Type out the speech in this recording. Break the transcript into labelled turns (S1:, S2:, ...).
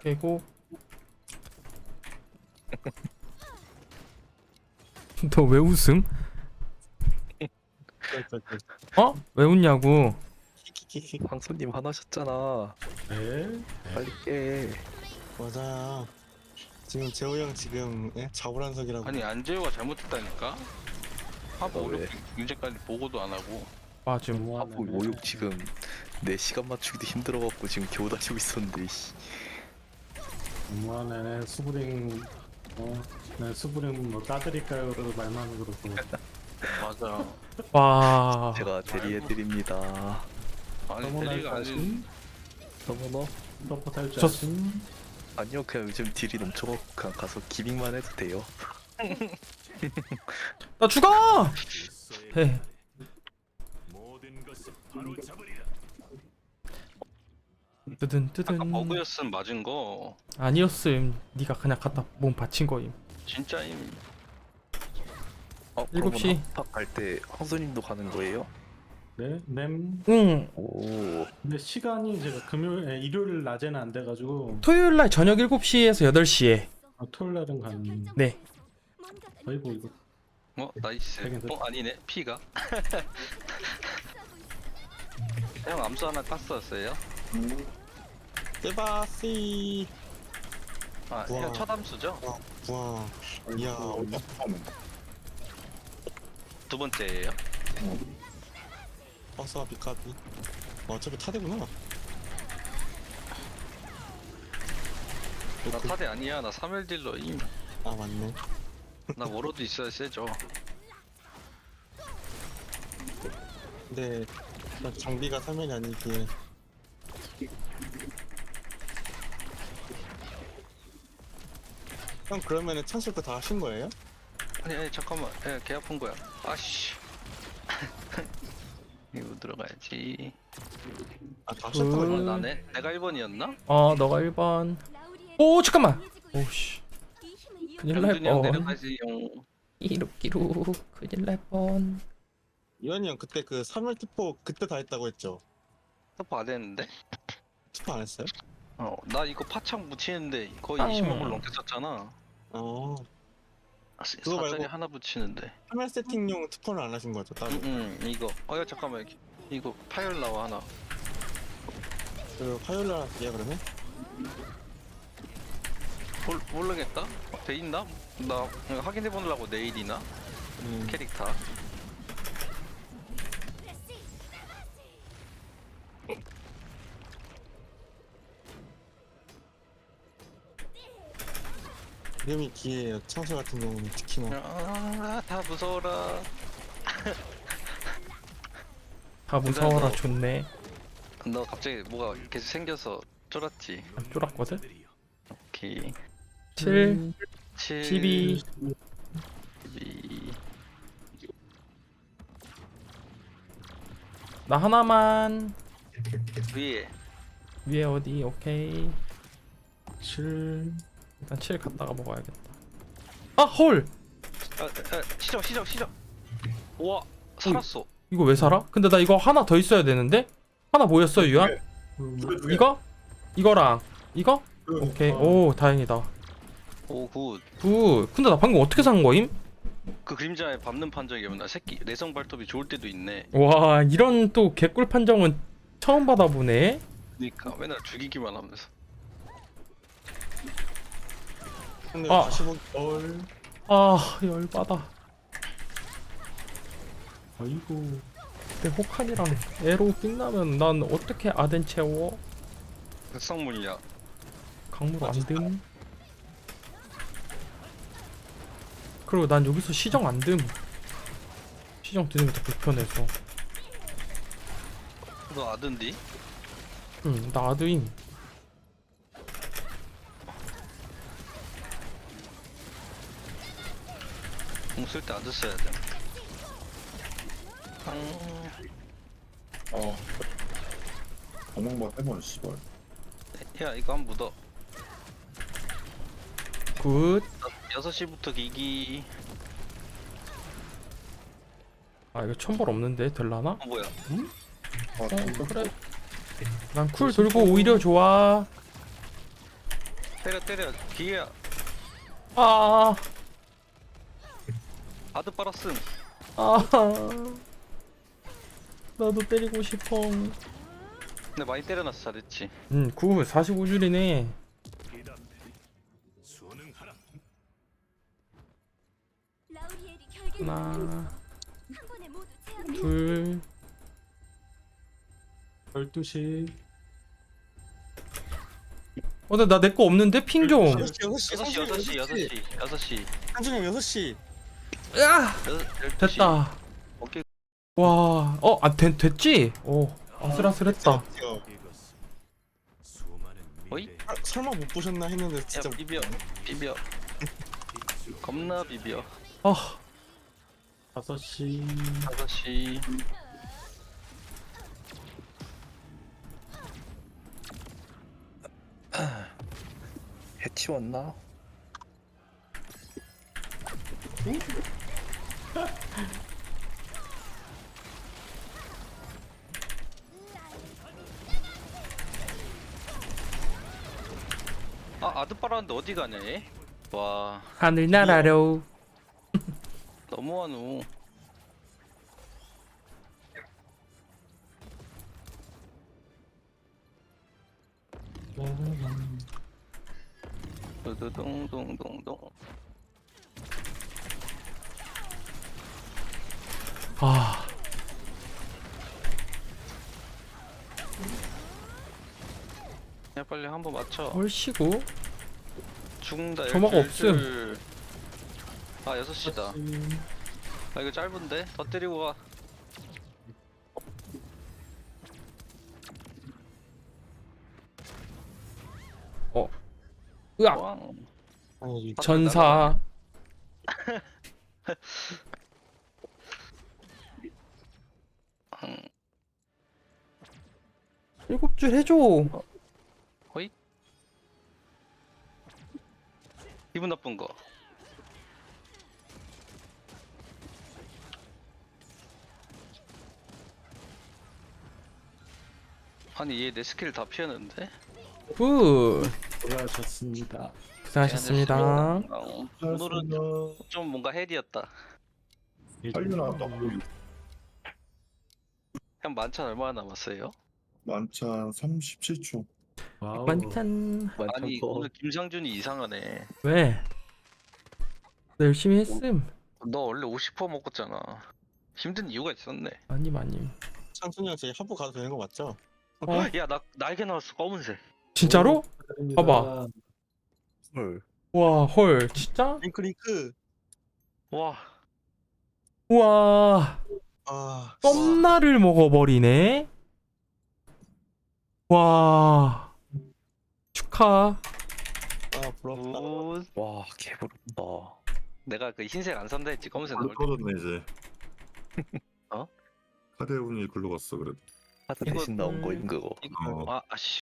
S1: 깨고. 너 왜 웃음? 어? 왜 웃냐고?
S2: 황소님 화나셨잖아.
S3: 네?
S2: 빨리 깨.
S4: 맞아. 지금 재호 형 지금 자불안석이라고.
S5: 아니 안재호가 잘못했다니까. 하부
S2: 왜?
S5: 5육 이제까지 보고도 안 하고.
S1: 맞음.
S2: 하부 5육 지금 내 시간 맞추기도 힘들어갖고 지금 겨우 다니고 있었는데. 씨.
S3: 너무하네. 수브링 네, 수브링 뭐 따드릴까요로 말만 그러고.
S5: 맞아.
S1: 와.
S2: 제가 대리해드립니다.
S5: 아니
S3: 서머너
S5: 대리가
S3: 할
S5: 아닌.
S3: 자신?
S2: 서머너?
S3: 서포트 할줄
S1: 저-
S3: 아신?
S2: 아니요, 그냥 요즘 딜이 넘쳐갖고 그냥 가서 기믹만 해도 돼요.
S1: 나 죽어! 해. 뜨든 뜨든.
S5: 아까 버그였음 맞은 거.
S1: 아니었음. 네가 그냥 갖다 몸 받친 거임.
S5: 진짜임.
S1: 일곱 시.
S2: 갈때 황소님도 가는 거예요?
S3: 네? 램?
S1: 응.
S2: 오,
S3: 근데 시간이 제가 일요일 낮에는 안 돼가지고
S1: 토요일 날 저녁 7시에서 8시에.
S3: 토요일 날은 가는.
S1: 네.
S3: 아이고 이거
S5: 나이스.
S3: 되긴 됐다.
S5: 아니네 피가. 형 암수 하나 깠었어요?
S4: 대바씨.
S5: 아,
S4: 우와.
S5: 형 첫 암수죠?
S4: 와. 이야.
S5: 두 번째예요.
S4: 버스와 비카비. 어차피 타대구나.
S5: 나 타대 아니야. 나 3일 딜러임.
S4: 아 맞네.
S5: 나 워로드 있어야 세죠.
S4: 근데 장비가 3면이 아니기에. 형 그러면은 찬술 거 다 하신 거예요?
S5: 아니 잠깐만. 개 아픈 거야. 아씨. 이거 들어가야지.
S4: 다 하셨던 거예요?
S5: 나네? 내가 1번이었나?
S1: 너가 1번. 오, 잠깐만. 오씨. 큰일 날
S5: 병준이 형
S1: 뻔.
S5: 내려가지 형.
S1: 끼룩끼룩. 큰일 날 뻔.
S4: 이완이 형 그때 그 3일 투포 그때 다 했다고 했죠?
S5: 스토프 안 했는데?
S4: 투포 안 했어요?
S5: 나 이거 파창 붙이는데 거의
S1: 빵.
S5: 20만 불 넘게 썼잖아.
S4: 어. 그거
S5: 사전에
S4: 말고-
S5: 하나 붙이는데.
S4: 3일 세팅용 투포는 안 하신 거죠? 따로?
S5: 이거. 야 잠깐만. 이거 파열 나와 하나.
S4: 그 화요일 날 할게요 그러면?
S5: 모르겠다. 돼 있나? 나 확인해 보려고 내일이나 캐릭터.
S4: 이름이 기회예요. 창수 같은 경우는 특히나.
S5: 다 무서워라.
S1: 다 무서워라. 좋네.
S5: 너 갑자기 뭐가 계속 생겨서 쫄았지.
S1: 안 쫄았거든?
S5: 오케이.
S1: 7,
S5: 7,
S1: 12.
S5: 12.
S1: 나 하나만.
S5: 위에.
S1: 위에 어디? 오케이.
S3: 7
S1: 일단 7 갔다가 먹어야겠다. 아, 헐!
S5: 시정. 우와, 살았어.
S1: 이거 왜 살아? 근데 나 이거 하나 더 있어야 되는데? 하나 뭐였어, 유야? 이거? 이거랑 이거? 오케이. 오, 다행이다.
S5: 오, 굿.
S1: 굿. 근데 나 방금 어떻게 산 거임?
S5: 그 그림자에 밟는 판정이면 나 새끼 내성 발톱이 좋을 때도 있네.
S1: 와, 이런 또 개꿀 판정은 처음 받아보네.
S5: 그니까 맨날 죽이기만 하면서.
S4: 근데
S1: 아.
S4: 다시 보기
S1: 아, 열받아.
S3: 아이고
S1: 근데 호칸이랑 에로 끝나면 난 어떻게 아덴 채워?
S5: 극성 물약.
S1: 강물 안 듦. 그리고 난 여기서 시정 안 듦. 시정 드는 게 더 불편해서.
S5: 너 아든디?
S1: 응, 나 아드임.
S5: 공 쓸 때 아드 써야 돼.
S6: 어멍만 해봐 씨발.
S5: 야 이거 한 묻어.
S1: 굿.
S5: 6시부터 기기.
S1: 아, 이거 천벌 없는데 될라나?
S5: 뭐야?
S6: 아,
S1: 그래. 난 쿨 돌고 오히려 좋아.
S5: 때려 기회야.
S1: 아,
S5: 바드 빨았음.
S1: 아, 나도 때리고 싶어.
S5: 근데 많이 때려놨어. 잘했지.
S1: 45줄이네.
S6: 라우리엘이 결계를
S1: 하나,
S6: 한 번에 모두 제압해.
S1: 둘,
S3: 12시.
S1: 근데 나 내 거 없는데 핑 좀.
S5: 6시.
S4: 한준이 형 6시.
S1: 야, 됐다.
S5: 오케이.
S1: 와, 됐지? 아슬아슬했다.
S5: 어이?
S4: 설마 못 보셨나 했는데
S5: 야
S4: 진짜
S5: 비벼. 겁나 비벼.
S1: 아,
S3: 5시.
S5: 5시.
S2: 해치웠나?
S5: 아 아드 빨았는데 어디 가냐 얘? 와
S1: 하늘나라로.
S5: 너무하노. 두두둥둥둥둥.
S1: 아,
S5: 야 빨리 한번 맞춰.
S1: 얼씨구.
S5: 죽는다.
S1: 점화가
S5: 12줄. 아 6시다. 아 이거 짧은데? 더 때리고 가.
S1: 으악.
S5: 왕.
S4: 아니
S1: 전사.
S5: 음,
S1: 7줄 해줘.
S5: 호이? 기분 나쁜 거. 아니 얘 내 스킬 다 피했는데?
S1: 굿.
S3: 수고하셨습니다.
S1: 고생하셨습니다.
S5: 오늘은 좀 뭔가 헬이었다.
S7: 빨리 나왔다.
S5: 형 만찬 얼마나 남았어요?
S7: 만찬 37초.
S3: 와우.
S1: 만찬.
S5: 아니 오늘 김상준이 이상하네.
S1: 왜? 나 열심히 했음.
S5: 너 원래 50% 먹었잖아. 힘든 이유가 있었네.
S1: 아님.
S4: 창순이 형 저희 하부 가도 되는 거 맞죠?
S5: 야 나 날개 나왔어 검은색.
S1: 진짜로?
S3: 축하드립니다.
S1: 봐봐.
S2: 헐.
S1: 와, 헐, 진짜?
S4: 링크링크.
S5: 와
S1: 우와,
S4: 아
S1: 썸나를 먹어버리네. 와, 축하.
S4: 부럽다.
S5: 굿.
S2: 와 개부럽다.
S5: 내가 그 흰색 안 산다 했지 검은색 나올 때.
S7: 떨어졌네 이제.
S5: 어?
S7: 카드 운이 글로 갔어 그래도.
S2: 하드 대신 나온 거임 그거.
S5: 이거 아씨